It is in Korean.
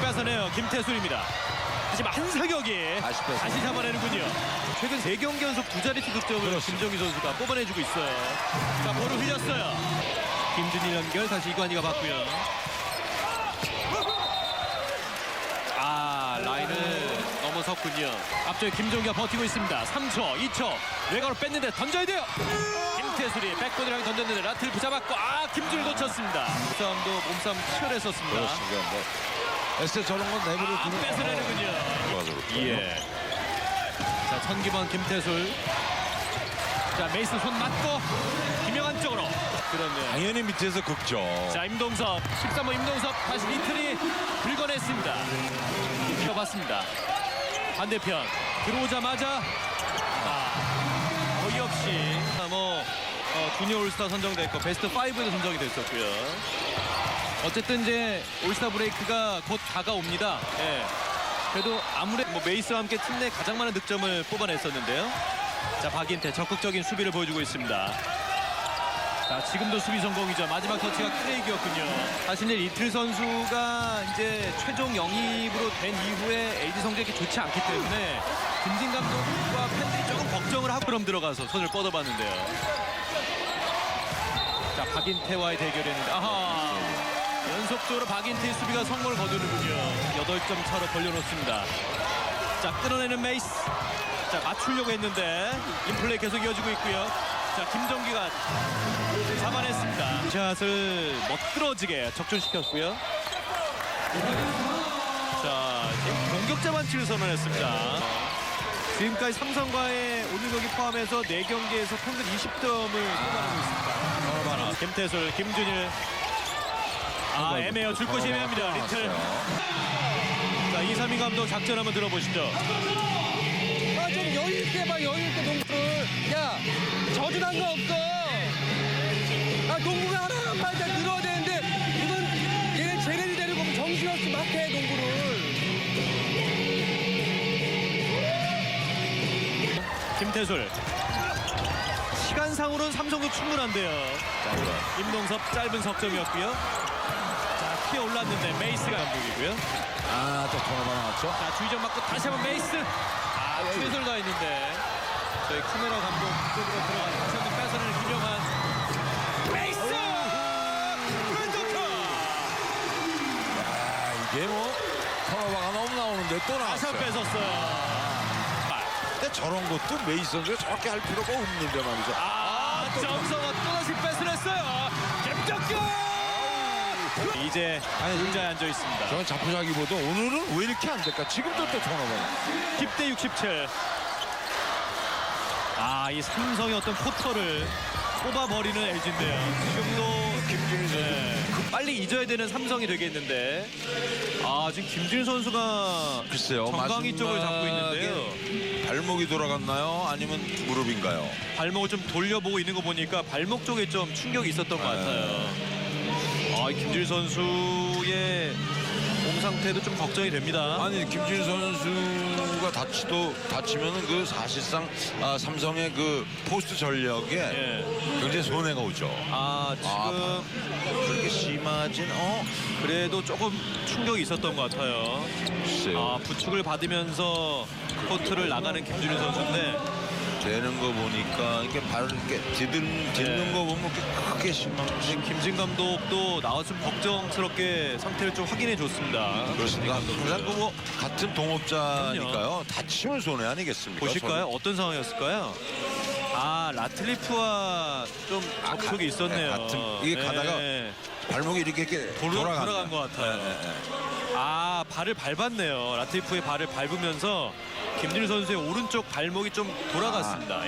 돌아서네요. 김태술입니다. 하지만 한사격이 다시 잡아내는군요. 최근 3경기 연속 2자릿수 득점을 김정희 선수가 뽑아내주고 있어요. 자, 볼을 흘렸어요. 김준일 연결, 다시 이관희가 받고요. 라인을 넘어섰군요. 앞쪽에 김종기가 버티고 있습니다. 3초, 2초. 외곽으로 뺐는데 던져야 돼요. 김태술이 백보드를 향해 던졌는데 라틀프 잡았고, 김준일 놓쳤습니다. 싸움도 몸싸움 치열했었습니다. 그렇습니다. 에스테 저런 건 내버려 두는 뺏어내는군요. 예. 자, 천기범 김태술. 자, 메이슨 손 맞고 김영환 쪽으로. 그렇네요. 당연히 밑에서 긁죠. 자, 임동섭 13번 임동섭 다시 리틀이 긁어냈습니다. 이어봤습니다. 반대편 들어오자마자 어이없이 주니어 올스타 선정됐고 베스트 5에도 선정이 됐었고요. 어쨌든 이제 올스타 브레이크가 곧 다가옵니다. 예. 그래도 아무래도 메이스와 함께 팀 내 가장 많은 득점을 뽑아냈었는데요. 자, 박인태 적극적인 수비를 보여주고 있습니다. 자, 지금도 수비 성공이죠. 마지막 터치가 크레이기였군요. 사실 이틀 선수가 이제 최종 영입으로 된 이후에 LG 성적이 좋지 않기 때문에 김진 감독과 팬들이 조금 걱정을 하고 그럼 들어가서 손을 뻗어봤는데요. 자, 박인태와의 대결이었는데 연속적으로 박인태의 수비가 성공을 거두는군요. 8점 차로 벌려놓습니다. 자, 끊어내는 메이스. 자, 맞추려고 했는데 인플레이 계속 이어지고 있고요. 자, 김정기가 잡아냈습니다. 샷을 멋들어지게 적중시켰고요. 자, 지금 공격자 반칙을 선언했습니다. 지금까지 삼성과의 오늘 경기 포함해서 4경기에서 평균 20점을 쏟아내고 있습니다. 김태술, 김준일. 애매해요. 줄 곳이 애매합니다. 리틀. 자, 이삼희 감독 작전 한번 들어보시죠. 좀 여유있게 봐, 여유있게 농구를. 야, 저주난 거 없어. 농구가 하나만 다 늘어야 되는데 이건 얘 쟤네들 데리고 정신없이 막 해, 농구를. 김태술. 시간상으로는 삼성도 충분한데요. 임동섭 짧은 석점이었고요. 자, 피해 올랐는데 메이스가 감독이고요. 또 통화가 나왔죠. 자, 주의점 맞고 다시 한번 메이스. 최선을 다했는데 저희 카메라 감독 쪽으로 들어가서 다시 한번 뺏어내는 김영환. 메이스! 왼쪽커! 이게 통화가 너무 나오는데 또 다시 나왔어요. 한번 뺏었어요. 근데 저런 것도 메이스 선수가 저렇게 할 필요가 없는데 말이죠. 정성호 또다시 뺏어냈어요. 김정규! 이제 의자에 앉아 있습니다. 저는 자포자기보다 오늘은 왜 이렇게 안 될까? 지금도 또 통화가 10대 67. 이 삼성의 어떤 포터를 뽑아버리는 LG인데요. 지금도 김준일 선수. 빨리 잊어야 되는 삼성이 되겠는데. 지금 김준일 선수가 글쎄요. 정강이 쪽을 잡고 마지막에 있는데요. 발목이 돌아갔나요? 아니면 무릎인가요? 발목을 좀 돌려보고 있는 거 보니까 발목 쪽에 좀 충격이 있었던 것 같아요. 김준일 선수의 몸 상태도 좀 걱정이 됩니다. 아니 김준일 선수가 다치면은 그 사실상 삼성의 그 포스트 전력에 굉장히 손해가 오죠. 지금 그렇게 심하진 그래도 조금 충격이 있었던 것 같아요. 글쎄요. 부축을 받으면서 코트를 나가는 김준일 선수인데 되는 거 보니까 이렇게 발을 이렇게 딛는 거 보면 크게 심한지. 김진 감독도 나와서 좀 걱정스럽게 상태를 좀 확인해 줬습니다. 그렇습니다. 항상 그 같은 동업자니까요. 다치면 손해 아니겠습니까? 보실까요? 어떤 상황이었을까요? 라틀리프와 좀 접촉이 있었네요. 이게 가다가 발목이 이렇게 돌아간 것 같아요. 발을 밟았네요. 라틀리프의 발을 밟으면서 김준일 선수의 오른쪽 발목이 좀 돌아갔습니다.